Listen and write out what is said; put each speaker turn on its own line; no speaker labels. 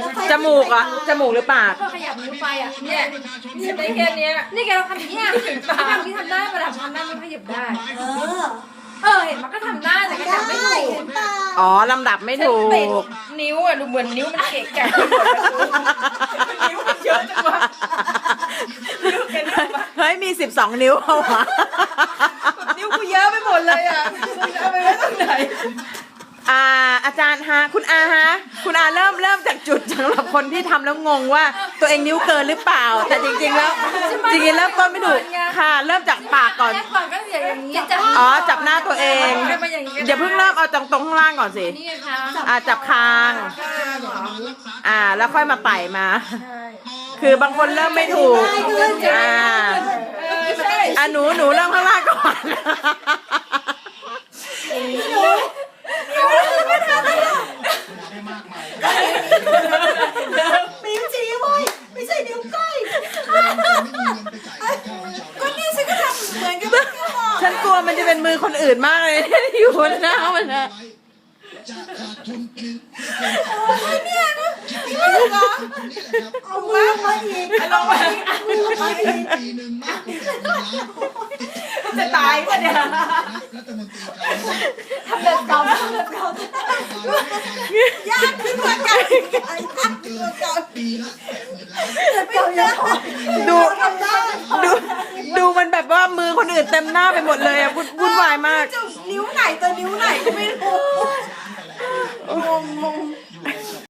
จมูกอ่ะจมูกหรือปาก
พอขยับนิ้วไปอ่ะเนี่ยได้แค่เนี้ยนี่แกเราทำอย่างเงี้ยทำที่ทำได้ประดับทำได้มันขยับได้เห็นมันก็ทำได้แต่ก็จับไม่ถูก
อ๋อลำดับไม่ถูก
นิ้วอ่ะดูเหมือนนิ้วมันเกะกะไปหมดแล้วนิ้วมันเยอะจังวะนิ้วแกนิ้วมา
เฮ้ยมี12 นิ้วเอาวะ
นิ้วกูเยอะไปหมดเลยอ่ะเอาไปไว้ตรงไหน
อาจารย์ฮะคุณอาฮะคุณอาเริ่มจากจุดสำหรับคนที่ทำแล้วงงว่าตัวเองนิ้วเกินหรือเปล่า แต่จริงๆแล้วเริ่มต้นไม่ถูกค่ะ เริ่มจากปากก่อน
แรกก่อนก็อย่างนี้จับ
อ๋อจับหน้าตัวเองอย่าเพิ่งเริ่มเอาตรงข้างล่างก่อนสิ
นี่ค่ะ
จับคาง แล้วค่อยมาไต่มา คือบางคนเริ่มไม่ถูกหนูเริ่มข้างล่างก่อน
นิ้วชี้เว้ยไม่ใช่นิ้วก้อยก็นี่ฉันก็ทำเหมือนกัน
ฉันกลัวมันจะเป็นมือคนอื่นมากเลย อยู่บนหน้ามันนะ
เอามือมาอีก
ลงมาจะตายปะเนี่ยทำแบบเก่า
ยากขึ้นกว่าเก่าอีกยากขึ้นกว่าเก่าเก่าเยอะ
ดู
ทำได้
ดูมันแบบว่ามือคนอื่นเต็มหน้าไปหมดเลยอะวุ่นวายมาก
นิ้วไหนตัวนิ้วไหนก็ไม่รู้งง